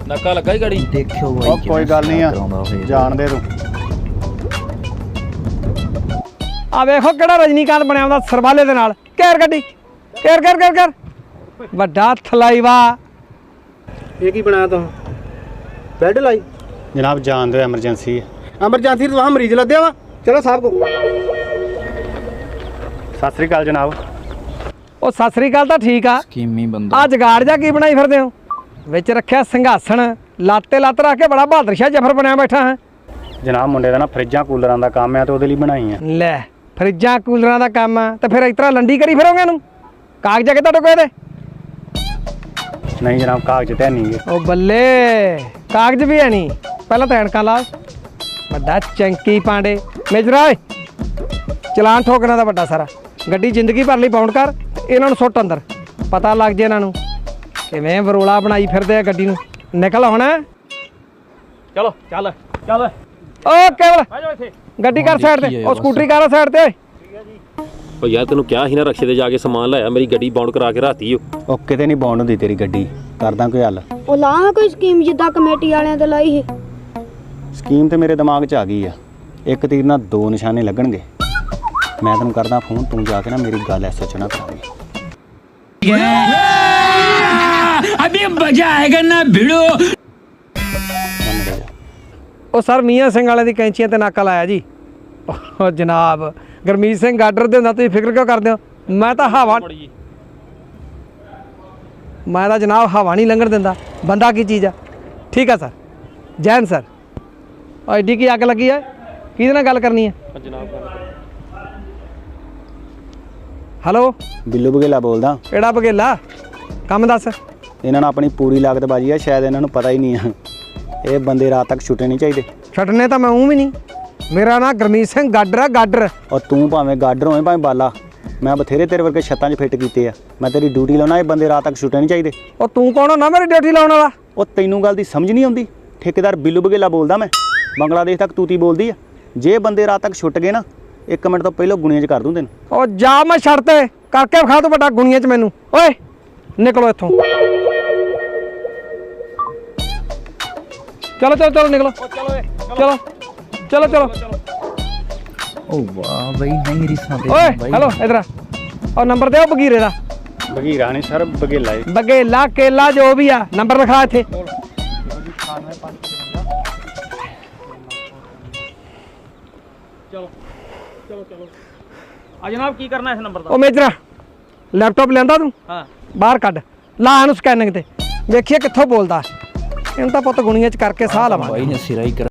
ਨੱਕਾ ਲੱਗਾ ਹੀ ਗਾੜੀ देखियो भाई ਉਹ ਕੋਈ ਗੱਲ ਨਹੀਂ ਆ ਜਾਣ ਦੇ ਤੂੰ ਆ ਵੇਖੋ ਕਿਹੜਾ ਰਜਨੀਕਾਂਤ ਬਣਿਆ ਹੁੰਦਾ ਸਰਵਾਲੇ ਦੇ ਨਾਲ ਘੇਰ ਗੱਡੀ ਘੇਰ ਘੇਰ ਘੇਰ ਘੇਰ ਵੱਡਾ ਥਲਾਈਵਾ ये की बनाया तुम बेड लाई ਜਨਾਬ ਜਾਣ ਦਿਓ ਐਮਰਜੈਂਸੀ ਹੈ एमरजेंसी तो वहाँ मरीज लग गया वा चलो साहब को ਸਤਿ ਸ੍ਰੀ ਅਕਾਲ ਜਨਾਬ ਉਹ ਸਤਿ ਸ੍ਰੀ ਅਕਾਲ ਤਾਂ ਠੀਕ ਆ स्कीमी बंदा ਆ ਜਗਾੜ ਜਾ ਕੀ ਬਣਾਈ ਫਿਰਦੇ ਹੋ ਵਿੱਚ ਰੱਖਿਆ ਸਿੰਘਾਸਣ ਲਾਤੇ ਲੱਤ ਰੱਖ ਕੇ ਬੜਾ ਬਹਾਦਰ ਸ਼ਾਹ ਜਫਰ ਬਣਿਆ ਬੈਠਾ ਹੈ ਜਨਾਬ ਮੁੰਡੇ ਦਾ ਨਾ ਫਰਿੱਜਾਂ ਕੂਲਰਾਂ ਦਾ ਕੰਮ ਆ ਤੇ ਉਹਦੇ ਲਈ ਬਣਾਈ ਆ ਲੈ ਫਰਿੱਜਾਂ ਕੂਲਰਾਂ ਦਾ ਕੰਮ ਆ ਤੇ ਫਿਰ ਇਸ ਤਰ੍ਹਾਂ ਲੰਡੀ ਕਰੀ ਫਿਰੋਗੇ ਇਹਨੂੰ ਕਾਗਜ਼ ਕਿ ਤੁਹਾਡੇ ਕੋਲ ਇਹਦੇ ਨਹੀਂ ਜਨਾਬ ਕਾਗਜ਼ ਤੇ ਨਹੀਂਗੇ ਉਹ ਬੱਲੇ ਕਾਗਜ਼ ਵੀ ਹੈ ਨਹੀਂ ਪਹਿਲਾਂ ਤਾਂ ਐਨਕਾਂ ਲਾ ਵੱਡਾ ਚੰਕੀ ਪਾਂਡੇ ਮੇਜਰਾ ਓਏ ਚਲਾਨ ਠੋਕਣਾ ਦਾ ਵੱਡਾ ਸਾਰਾ ਗੱਡੀ ਜ਼ਿੰਦਗੀ ਭਰ ਲਈ ਬਾਉਂਡ ਕਰ ਇਹਨਾਂ ਨੂੰ ਸੁੱਟ ਅੰਦਰ ਪਤਾ ਲੱਗ ਜੇ ਇਹਨਾਂ ਨੂੰ ਕਿਵੇਂ ਵਰੋਲਾ ਬਣਾਈ ਫਿਰਦੇ ਆ ਗੱਡੀ ਨੂੰ ਨਿਕਲ ਹੁਣ ਚਲੋ ਚੱਲ ਚੱਲ ਓ ਕੇਵਲ ਆ ਜਾ ਇੱਥੇ ਗੱਡੀ ਕਰ ਸਾਈਡ ਤੇ ਉਹ ਸਕੂਟਰੀ ਕਰ ਸਾਈਡ ਤੇ ਓ ਯਾਰ ਤੈਨੂੰ ਕਿਹਾ ਸੀ ਨਾ ਰਕਸ਼ੇ ਤੇ ਜਾ ਕੇ ਸਮਾਨ ਲਾਇਆ ਮੇਰੀ ਗੱਡੀ ਬਾਉਂਡ ਕਰਾ ਕੇ ਰਾਤੀ ਓ ਉਹ ਕਿਤੇ ਨਹੀਂ ਬੌਂਡ ਹੁੰਦੀ ਤੇਰੀ ਗੱਡੀ ਕਰਦਾ ਕੋਈ ਹੱਲ ਉਹ ਲਾ ਕੋਈ ਸਕੀਮ ਜਿੱਦਾਂ ਕਮੇਟੀ ਵਾਲਿਆਂ ਤੇ ਲਾਈ ਸੀ ਸਕੀਮ ਤੇ ਮੇਰੇ ਦਿਮਾਗ 'ਚ ਆ ਗਈ ਆ ਇੱਕ ਤੀਰ ਨਾਲ ਦੋ ਨਿਸ਼ਾਨੇ ਲੱਗਣਗੇ ਮੈਂ ਤੈਨੂੰ ਕਰਦਾ ਫੋਨ ਤੂੰ ਜਾ ਕੇ ਨਾ ਮੇਰੀ ਗੱਲ ਐਸਐਚ ਨਾਲ ਕਰਾ ਦੇ अभी मजा आएगा ना भिड़ो ਉਹ ਸਰ ਮੀਆਂ ਸਿੰਘ ਵਾਲੇ ਦੀ ਕੈਂਚੀਆਂ ਤੇ ਨਾਕਾ ਲਾਇਆ ਜੀ ਉਹ ਜਨਾਬ ਗੁਰਮੀਤ ਸਿੰਘ ਗਾਡਰ ਦੇ ਹੁੰਦਾ ਤੁਸੀਂ ਫਿਕਰ ਕਿਉਂ ਕਰਦੇ ਹੋ ਮੈਂ ਤਾਂ ਜਨਾਬ ਹਵਾ ਨਹੀਂ ਲੰਘਣ ਦਿੰਦਾ ਬੰਦਾ ਕੀ ਚੀਜ਼ ਆ ਠੀਕ ਆ ਸਰ ਜੈਨ ਸਰ ਐਡੀ ਕੀ ਅੱਗ ਲੱਗੀ ਹੈ ਕਿਹਦੇ ਨਾਲ ਗੱਲ ਕਰਨੀ ਹੈ ਹੈਲੋ ਬਿੱਲੂ ਬਗੇਲਾ ਬੋਲਦਾ ਕਿਹੜਾ ਬਗੇਲਾ ਕੰਮ ਦੱਸ ਇਹਨਾਂ ਨੂੰ ਆਪਣੀ ਪੂਰੀ ਲਾਗਤ ਬਾਜੀ ਆ ਸ਼ਾਇਦ ਇਹਨਾਂ ਨੂੰ ਪਤਾ ਹੀ ਨਹੀਂ ਆ ਇਹ ਬੰਦੇ ਰਾਤ ਤੱਕ ਛੁੱਟੇ ਨਹੀਂ ਚਾਹੀਦੇ ਛੱਡਣੇ ਤਾਂ ਮੈਂ ਵੀ ਨਹੀਂ ਮੇਰਾ ਨਾਂ ਗੁਰਮੀਤ ਸਿੰਘ ਗਾਡਰ ਆ ਗਾਡਰ ਔਰ ਤੂੰ ਭਾਵੇਂ ਗਾਡਰ ਹੋਵੇਂ ਭਾਵੇਂ ਬਾਲਾ ਮੈਂ ਬਥੇਰੇ ਤੇਰੇ ਵਰਗੇ ਛੱਤਾਂ 'ਚ ਫਿੱਟ ਕੀਤੇ ਆ ਮੈਂ ਤੇਰੀ ਡਿਊਟੀ ਲਾਉਣਾ ਇਹ ਬੰਦੇ ਰਾਤ ਤੱਕ ਛੁੱਟੇ ਨਹੀਂ ਚਾਹੀਦੇ ਉਹ ਤੂੰ ਕੌਣ ਹੁੰਦਾ ਮੇਰੀ ਡਿਊਟੀ ਲਾਉਣ ਵਾਲਾ ਉਹ ਤੈਨੂੰ ਗੱਲ ਦੀ ਸਮਝ ਨਹੀਂ ਆਉਂਦੀ ਠੇਕੇਦਾਰ ਬਿੱਲੂ ਬਗੇਲਾ ਬੋਲਦਾ ਮੈਂ ਬੰਗਲਾਦੇਸ਼ ਤੱਕ ਤੂਤੀ ਬੋਲਦੀ ਆ ਜੇ ਬੰਦੇ ਰਾਤ ਤੱਕ ਛੁੱਟ ਗਏ ਨਾ 1 ਮਿੰਟ ਤੋਂ ਪਹਿਲਾਂ ਗੁਣੀਆਂ 'ਚ ਕਰ ਦੂੰ ਤੈਨੂੰ ਉਹ ਜਾ ਮੈਂ ਛੱਡ ਤੇ ਕਰਕੇ ਵਿਖਾ ਤੂੰ ਵੱਡਾ ਗੁਣੀਆਂ 'ਚ ਮੈਨੂੰ ਓਏ ਨਿਕਲੋ ਇੱਥੋਂ ਚਲੋ ਚਲੋ ਚਲੋ ਨਿਕਲੋ ਚਲੋ ਚਲੋ ਚਲੋ ओ वाह भाई नहीं रिसा दे ਓਏ ਹੈਲੋ ਇਧਰ ਆ ਉਹ ਨੰਬਰ ਦੇ ਉਹ ਬਗੀਰੇ ਦਾ ਬਗੀਰਾ ਨਹੀਂ ਸਰ ਬਗੇਲਾ ਏ ਬਗੇਲਾ ਕੇਲਾ ਜੋ ਵੀ ਆ ਨੰਬਰ ਲਿਖਾ ਇੱਥੇ ਆ ਜਨਾਬ ਕੀ ਕਰਨਾ ਇਸ ਨੰਬਰ ਦਾ ਉਹ ਮੇਜਰਾ ਲੈਪਟਾਪ ਲੈਂਦਾ ਤੂੰ ਹਾਂ ਬਾਹਰ ਕੱਢ ਲਾ ਇਹਨੂੰ ਸਕੈਨਿੰਗ ਤੇ ਵੇਖੀਏ ਕਿੱਥੋਂ ਬੋਲਦਾ ਇਹਨੂੰ ਤਾਂ ਪੁੱਤ ਗੁਣੀਆਂ 'ਚ ਕਰਕੇ ਸਾਹ ਲਵਾਂ भाई ने सिरा ही कर